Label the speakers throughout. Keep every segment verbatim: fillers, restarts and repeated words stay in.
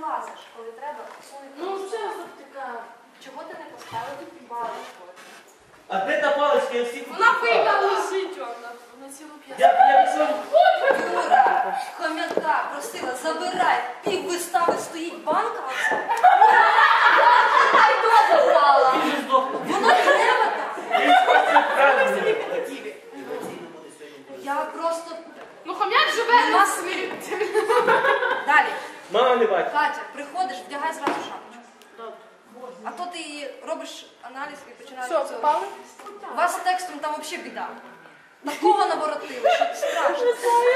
Speaker 1: вилазиш, коли треба сунути.
Speaker 2: Ну, вже така.
Speaker 1: Чого ти не поставив паличку?
Speaker 3: А де та паличка? Я всіх
Speaker 2: Вона пила лежить, вона на цілу п'яту.
Speaker 3: Я я пішов.
Speaker 1: Юра, хом'яка просила, забирай. Пів вистави стоїть банка оця. Ай, хто забрала?
Speaker 3: Він же здох.
Speaker 1: Воно треба так.
Speaker 3: Він спасив правильно.
Speaker 1: Я просто...
Speaker 2: Ну, хом'як живе на світі.
Speaker 1: Далі.
Speaker 3: Мама не бачить.
Speaker 1: Катя, приходиш, вдягай зразу шапочку. А то ти робиш аналіз і починаєш...
Speaker 2: Що, попали?
Speaker 1: У вас з текстом там взагалі біда. Такого наворотили, що це страшно.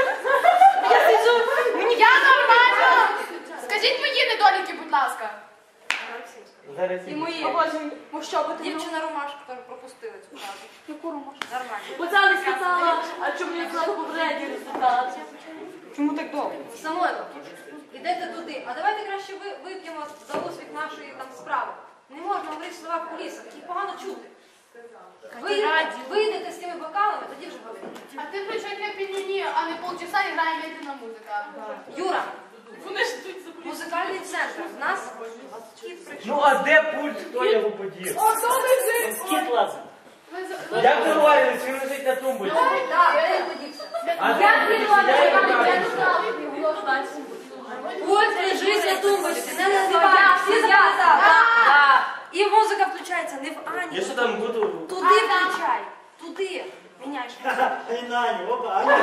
Speaker 2: Я нормально! Скажіть мої недоліки, будь ласка.
Speaker 3: Зараз
Speaker 1: І мої.
Speaker 2: Ну що, бо
Speaker 1: Дівчина Ромашка теж пропустила цю фразу.
Speaker 2: яку ромашку?
Speaker 1: Нормально.
Speaker 2: Бо це не сказала, а чому я сказала попередній результат?
Speaker 1: Чому так довго? Самойло, ідете туди. А давайте краще ви, вип'ємо за успіх нашої там справи. Не можна говорити слова в кулісах, їх погано чути. Ви, ви йдете з тими бокалами, тоді вже говорите.
Speaker 2: А ти включай на піаніні, а не полчаса і грає медленна музика.
Speaker 1: Юра,
Speaker 2: Вони ж тут за
Speaker 1: музикальний центр. В нас кіт прийшов.
Speaker 3: Ну а де пульт? Хто його подів?
Speaker 2: О, то лежить!
Speaker 3: Скіт лазить. Як договорились, він лежить на тумбочці.
Speaker 1: Так, де він подівся?
Speaker 3: А де він? Я його бачу.
Speaker 1: Ось лежить на тумбочці, не називай. Всі записали. І музика включається не в Ані.
Speaker 3: Я що там буду?
Speaker 1: Туди включай. Туди. Міняєш.
Speaker 4: Ай, Нані, опа, Аня.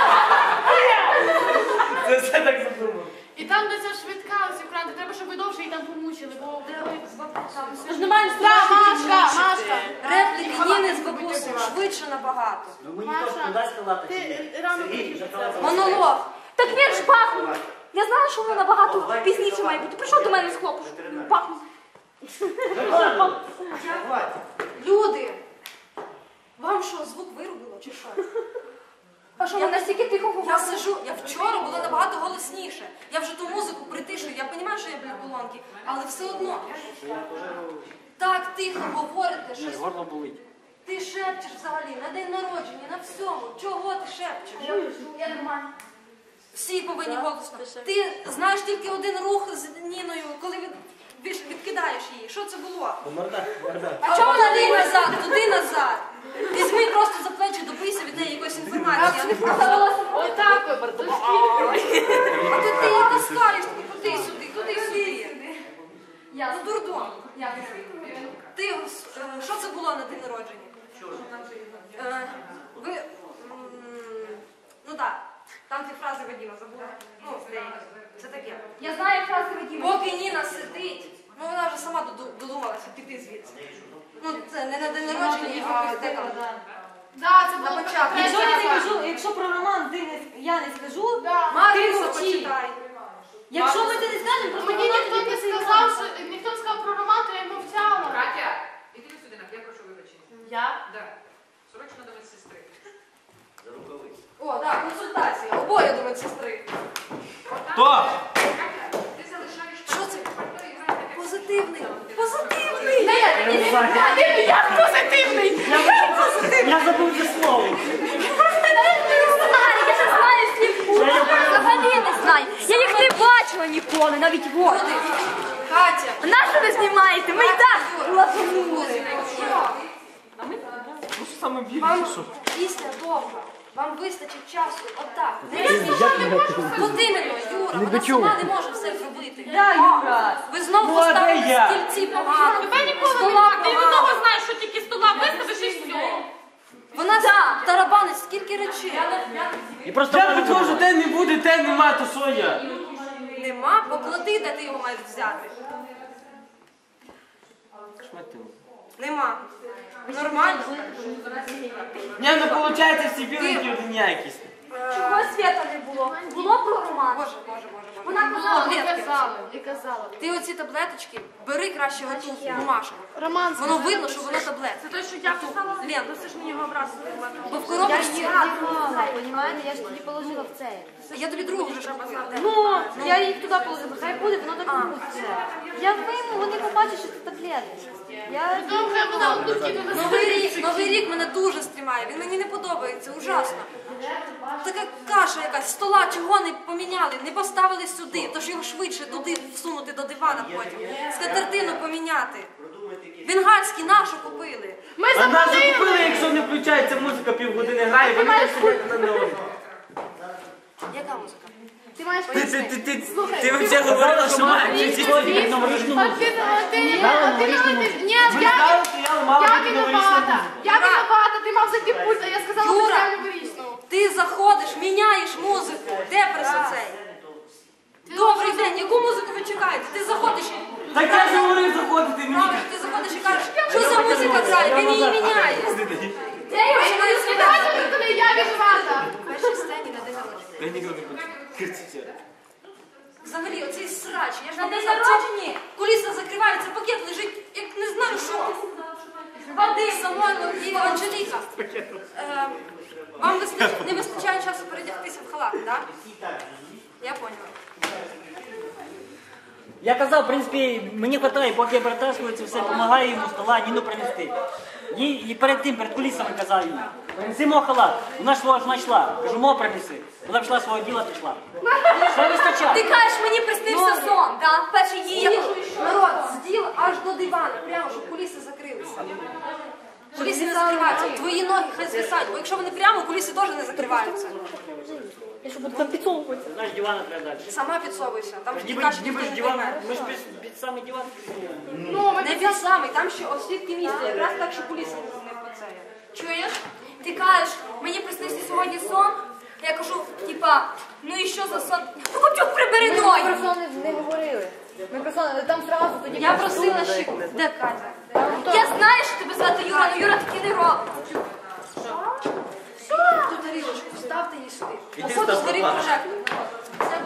Speaker 3: Це все так задумав.
Speaker 2: І там, де ця швидка, ось екран, треба, щоб ви довше її там помучили, бо...
Speaker 1: Ми ж не маємо
Speaker 2: Так, Машка, Машка.
Speaker 1: репліки Ніни з бабусею швидше набагато.
Speaker 4: Ну мені точно дасть сказати, чи ні?
Speaker 2: Ти рано
Speaker 4: Сергій, вже казав.
Speaker 1: Монолог.
Speaker 5: Так він ж пахнув. Я знала, що воно набагато пізніше має бути. Прийшов до мене з хлопцем. Пахнув.
Speaker 1: Люди, вам що, звук вирубило чи що?
Speaker 5: А що, ми настільки тихо
Speaker 1: Я
Speaker 5: говорили?
Speaker 1: сижу, я вчора була набагато голосніше. Я вже ту музику притишую, я розумію, що я біля колонки, але все одно. Так тихо говорите, щось.
Speaker 4: Горло болить.
Speaker 1: Ти шепчеш взагалі на день народження, на всьому. Чого ти шепчеш?
Speaker 5: Я нормально.
Speaker 1: Всі повинні голосно. Ти знаєш тільки один рух з Ніною, коли від, від- відкидаєш її. Що це було?
Speaker 3: Морда, морда.
Speaker 1: А чому туди назад, туди назад? Візьми просто за плечі, добийся від неї якоїсь інформації. а не просто-
Speaker 2: Отак,
Speaker 1: А то ти її таскаєш, туди сюди, туди сюди. Я ну дурдом. Ти е, що це було на день народження? Е, Ви м, ну так, там ті фрази Вадима забула. Ну, деякі. Це таке.
Speaker 5: Я знаю фрази Вадима.
Speaker 1: Поки Ніна сидить, ну вона вже сама доду- додумалася піти звідси. Ну це не на день народження, а де там.
Speaker 2: Да, це було
Speaker 1: На початку.
Speaker 6: Якщо я не
Speaker 2: прекрасно.
Speaker 6: кажу, якщо про роман ти не, я не скажу,
Speaker 2: Да.
Speaker 1: Марису
Speaker 6: мовчи.
Speaker 1: почитай.
Speaker 6: якщо ми це не скажемо, просто
Speaker 2: Мені
Speaker 6: вона
Speaker 2: ніхто
Speaker 6: тобі
Speaker 2: не
Speaker 6: це
Speaker 2: сказав, що ніхто не сказав про роман, то я мовчала.
Speaker 7: Катя, іди сюди, я прошу вибачення.
Speaker 2: Я?
Speaker 7: Да. Срочно до медсестри.
Speaker 4: За рукавиці.
Speaker 1: О, так, консультація. Обоє до медсестри.
Speaker 3: Хто?
Speaker 7: Катя, ти залишаєш
Speaker 1: Що це?
Speaker 7: пальто і граєш таке.
Speaker 1: Позитивний. Позитивний.
Speaker 2: Як позитивний!
Speaker 4: Я забув це слово.
Speaker 5: Я не знаю слів. Взагалі не знаю. Я їх не бачила ніколи, навіть вот.
Speaker 1: Люди, Катя.
Speaker 5: Нащо ви знімаєте? Ми і так лапанули.
Speaker 3: Ну що саме більше,
Speaker 1: Вам
Speaker 3: що?
Speaker 1: після довго. Вам вистачить часу. Отак. От іменно, Юра, вона сама не може все зробити.
Speaker 6: Да, Юра.
Speaker 1: Ви знову
Speaker 3: Ну, а де
Speaker 1: поставили
Speaker 3: я?
Speaker 1: стільці погано.
Speaker 2: Тебе ніколи не
Speaker 1: Стола
Speaker 2: так. Ти від
Speaker 1: погано.
Speaker 2: того знаєш, що тільки стола вискажеш і все.
Speaker 1: Вона тарабанить скільки речей.
Speaker 4: І просто
Speaker 3: Я підходжу, де не буде, де нема, то що я?
Speaker 1: Нема, поклади, де ти його маєш взяти. Нема. Нормально.
Speaker 3: Ні, ну виходить, всі біленькі одні якісь.
Speaker 5: Чого свята не було? Було про роман.
Speaker 1: Боже, боже, боже, боже.
Speaker 5: Вона
Speaker 2: Було,
Speaker 5: казала.
Speaker 2: і
Speaker 1: Таблетки.
Speaker 2: казала, і казала.
Speaker 1: Ти оці таблеточки бери краще готу бумажку.
Speaker 2: Роман,
Speaker 1: Воно видно, що воно таблетки.
Speaker 2: Це те, що я казала.
Speaker 1: Лен,
Speaker 2: Ти ж мені його образила.
Speaker 1: бо в коробочці...
Speaker 5: Понімаєте, я ж тоді положила в це.
Speaker 1: Я тобі другу вже шукала.
Speaker 6: Ну, я їх туди положила, хай буде, воно так не буде. Я вийму, вони побачать, що це таблетки. Я
Speaker 2: Добре, вона одну кинула.
Speaker 1: Новий рік, новий рік мене дуже стрімає. Він мені не подобається, ужасно. Така каша якась, стола чого не поміняли, не поставили сюди, тож його швидше туди всунути до дивана потім. Скатертину поміняти. Бенгальські нашу купили.
Speaker 6: Ми
Speaker 3: А нас
Speaker 6: заплатили.
Speaker 3: закупили, якщо не включається музика, півгодини грає, вони
Speaker 6: маєш
Speaker 3: так сидять на нього.
Speaker 1: Яка музика?
Speaker 6: Ти маєш
Speaker 3: Ти, ти,
Speaker 6: пояснити.
Speaker 3: ти, ти,
Speaker 6: Слухай,
Speaker 3: ти взагалі говорила, що має включити.
Speaker 4: Сьогодні новорічну
Speaker 6: От
Speaker 4: музику.
Speaker 6: ти, от ти, ні,
Speaker 4: Дали
Speaker 6: от ти,
Speaker 4: новорічну
Speaker 6: от ти,
Speaker 4: музику.
Speaker 6: ні,
Speaker 3: Ми
Speaker 6: я,
Speaker 3: знали, стояли, мало
Speaker 6: я
Speaker 3: бути
Speaker 6: виновата,
Speaker 3: новорічна
Speaker 6: я виновата, ти мав зайти пульт, а я сказала, що
Speaker 1: Юра!
Speaker 6: я новорічну.
Speaker 1: Ти заходиш, міняєш музику. Де прес оцей? Добрий день, яку музику ви чекаєте? Ти заходиш,
Speaker 3: Так я ж говорив заходити мені.
Speaker 1: правильно, ти заходиш і кажеш, що за музика грає, він її міняє.
Speaker 6: Я
Speaker 1: починаю
Speaker 6: не коли я виновата.
Speaker 1: В першій сцені на день народження.
Speaker 3: Та ніхто не буде кричати.
Speaker 1: Взагалі, оцей срач, я ж
Speaker 5: На
Speaker 1: вам
Speaker 5: день
Speaker 1: казав,
Speaker 5: народження?
Speaker 1: куліса закривається, пакет лежить, як не знаю що. Води, Самойло і Анжеліка. Е, Вам вистач- не вистачає часу передягтися в халат, так? Я поняла.
Speaker 4: Я казав, в принципі, мені вистачає, поки я перетаскується, все, допомагаю йому стола, Ніну принести. І, і перед тим, перед кулісами казав їй, принеси мого халат. Вона свого ж знайшла. Кажу, мого принеси. Вона пішла свого діла, пішла. Все
Speaker 5: Ти
Speaker 4: вистачає.
Speaker 5: кажеш, мені приснився сон, так? Перший її. я-
Speaker 1: Народ, зділ аж до дивана, прямо, щоб куліси закрилися. Куліси не закриваються, твої ноги хай звисають, бо якщо вони прямо, куліси теж не закриваються.
Speaker 5: Я що буду там підсовувати?
Speaker 4: Знаєш, дивана треба далі.
Speaker 1: Сама підсовуйся, там ж
Speaker 4: Ніби,
Speaker 1: каші
Speaker 4: ніби
Speaker 1: ніхто
Speaker 4: ж
Speaker 1: не
Speaker 4: диван,
Speaker 1: прийме.
Speaker 4: ми ж під, під самий диван.
Speaker 6: Ну, ми
Speaker 1: Не під самий, там ще освітки місце, якраз так, що куліси не поцеє.
Speaker 5: Чуєш? Ти кажеш, мені приснився сьогодні сон. Я кажу, типа, ну і що за сон? Хочу прибери
Speaker 6: Ми
Speaker 5: ноги.
Speaker 6: про сон не говорили. Ми про сон, там зразу тоді.
Speaker 1: Я просила ще... Де Катя?
Speaker 5: Я знаю, що тебе звати Юра, але Юра таки не робить.
Speaker 1: Ту тарілочку, ставте її сюди.
Speaker 3: Іди
Speaker 1: Походу,
Speaker 3: став
Speaker 1: старий
Speaker 3: пропала.
Speaker 1: прожектор. Це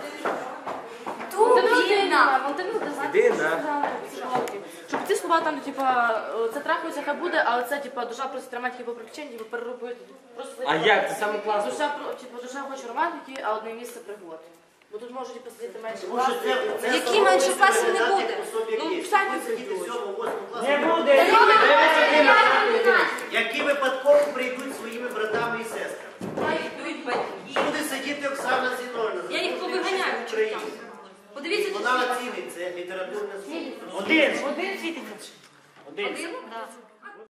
Speaker 1: буде
Speaker 5: Тубіна.
Speaker 3: Іди на.
Speaker 6: Щоб ці слова там, типа, це трахається, хай буде, але це, типа, душа просить романтики по причині, типу, переробити. Просто,
Speaker 3: А як? Це саме класно.
Speaker 6: Душа, про- типу, душа хоче романтики, а одне місце пригод. Бо тут можуть типу, сидіти менше
Speaker 8: Тому що
Speaker 6: класів.
Speaker 8: це- це
Speaker 1: Які
Speaker 8: саме
Speaker 1: менше
Speaker 8: можна
Speaker 1: класів не
Speaker 8: передати
Speaker 1: буде?
Speaker 8: особі,
Speaker 1: Ну,
Speaker 8: які
Speaker 1: самі
Speaker 8: будуть сидіти в сьомому, восьмому класі.
Speaker 3: Не буде.
Speaker 8: Які випадково прийдуть своїми братами і сестрами.
Speaker 1: йдуть батьки.
Speaker 8: Буде сидіти Оксана Зіновна.
Speaker 1: Я їх повиганяю.
Speaker 8: Україна.
Speaker 1: Подивіться,
Speaker 8: Вона оцінить це літературне слово.
Speaker 4: Один. Один світить. Один.
Speaker 1: один.